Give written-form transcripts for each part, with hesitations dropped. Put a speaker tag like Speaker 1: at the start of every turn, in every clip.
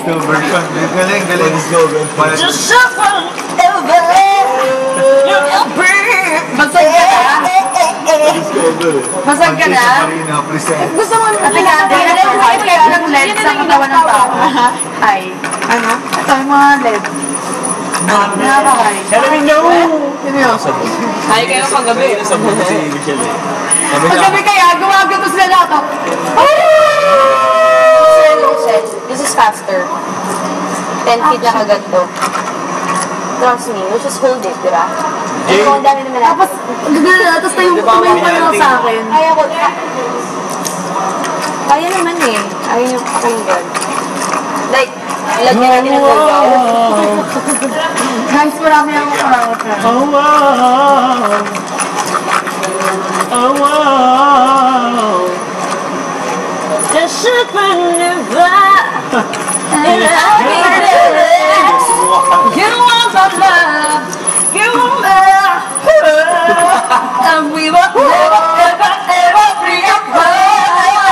Speaker 1: disco version. Galing, galing.
Speaker 2: Just shuffle Basag ka na? Basag ka na? Gusto mo kaya ng LED sa katawan ng tao? Ay. Ano? Ito yung mga LED. Nakakakay.
Speaker 1: Sabi no!
Speaker 2: Ay, kayo paggabi.
Speaker 1: Paggabi
Speaker 2: kaya, gumagato sila na ako. This is faster. 10 feet na kagad to. Trust me, you just hold it, diba? Ang dami naman natin. Tapos, tapos tayo tumayo pa lang sa akin. Kaya ko, kaya naman eh. Ayaw nyo pakinggan. Like, lagyan natin ang lugaw. Guys, marami akong karawat na.
Speaker 1: Oh wow! Oh wow!
Speaker 2: The ship and never you want my love, you want my and we were never, ever, ever free apart.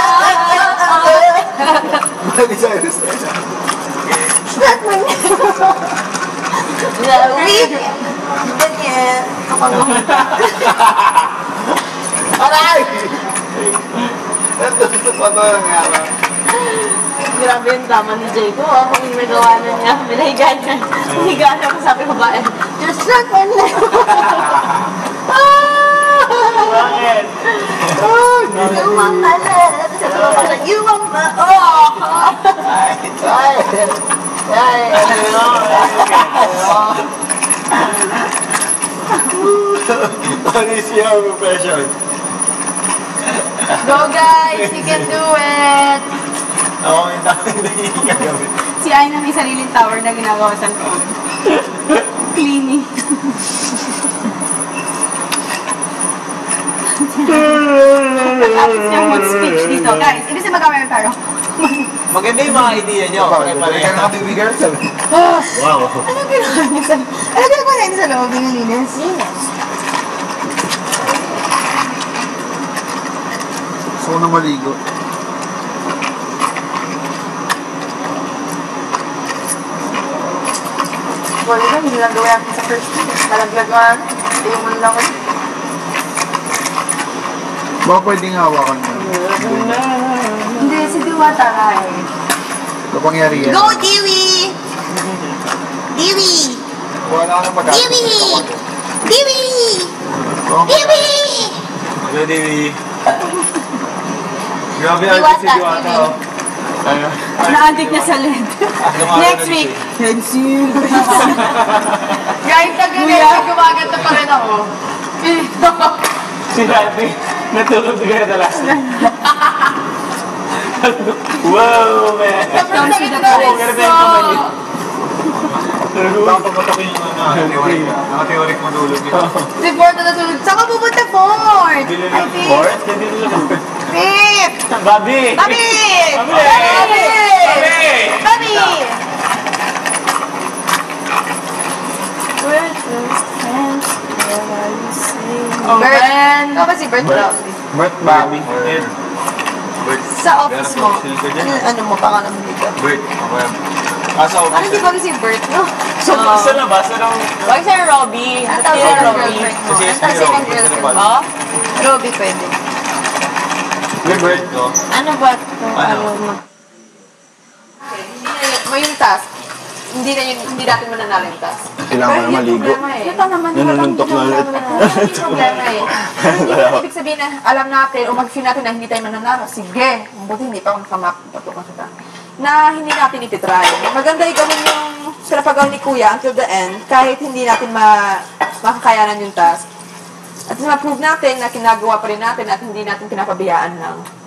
Speaker 1: Aray!
Speaker 2: Grabe yung tama ni Jay ko. Kung ginagawa na niya, minahiga niya. Minahiga niya ako sabi ko ba, just like one left.
Speaker 1: Bakit?
Speaker 2: You want my love. Sabi ko pa, you want my
Speaker 1: What is your profession?
Speaker 2: Go guys, you can do it!
Speaker 1: Ako yung hindi gagawin.
Speaker 2: Si Aina may sariling tower na ginagawa sa loob. Cleaning. Tapos yung mood speech dito. Guys, ibig sabihin mag-camera tayo.
Speaker 3: Maganda yung mga idea nyo.
Speaker 1: Kaya naka-baby girl sabi.
Speaker 2: Wow. Ano ginagawa niya sa loob? Ano ginagawa niya sa loob? Linis? Linis.
Speaker 1: Gusto ko na maligo.
Speaker 2: Wala ba, hindi lang gawin natin sa first day. Nalaglagan. Yung mo lang.
Speaker 1: Baka pwedeng hawakan mo.
Speaker 2: Hindi, si Diwata nga eh.
Speaker 1: Kapangyarihan.
Speaker 2: Go, Diwi! Diwi!
Speaker 1: Wala ka na pag-asa.
Speaker 2: Diwi! Diwi!
Speaker 1: Oh.
Speaker 2: Diwi!
Speaker 3: Hello, Dewi.
Speaker 1: Grabe
Speaker 2: Diwata,
Speaker 1: si Diwata.
Speaker 2: Diwi.
Speaker 1: Ano?
Speaker 2: Na-addict na sa LED. Next week. Hensil. Guys, nag-next gumaganda pa rin ako.
Speaker 3: Si Rafi, natulog ka na last night. Wow, man!
Speaker 2: Sobrang sakit na rin.
Speaker 1: Baka pagpatokin yung naka-theoric mo tulog yun.
Speaker 2: Si Ford na natulog. Saan ka pupunta, Ford? I think.
Speaker 3: Fort? Hindi nila lang.
Speaker 2: Pip!
Speaker 3: Bobby!
Speaker 2: Bobby!
Speaker 3: Bobby!
Speaker 2: Bobby! Oh, Bert. Ito ba si Bert?
Speaker 3: Bert, Bobby.
Speaker 2: Sa office mo. Ano mo? Baka naman dito.
Speaker 3: Bert. Asa
Speaker 2: Ano di ba si Bert, no?
Speaker 3: Sa labas, anong...
Speaker 2: Wag si Robby. Ang tawag si Robby. Ang tawag si girlfriend mo. Robby pwede.
Speaker 3: Bert, no?
Speaker 2: Ano ba ito?
Speaker 3: Ano?
Speaker 2: Mo yung task. Hindi natin mananalo yung task.
Speaker 1: Kailangan na maligo.
Speaker 2: Ito naman.
Speaker 1: Nanununtok na ulit.
Speaker 2: Hindi problema eh. Hindi ibig sabihin na alam natin o mag-feel natin na hindi tayo mananalo. Sige. Buti hindi pa ako nakamap. Na hindi natin ititry. Maganda gawin yung pinapagawa ni Kuya until the end kahit hindi natin makakayanan yung task. At ma-prove natin na kinagawa pa rin natin at hindi natin pinapabayaan lang.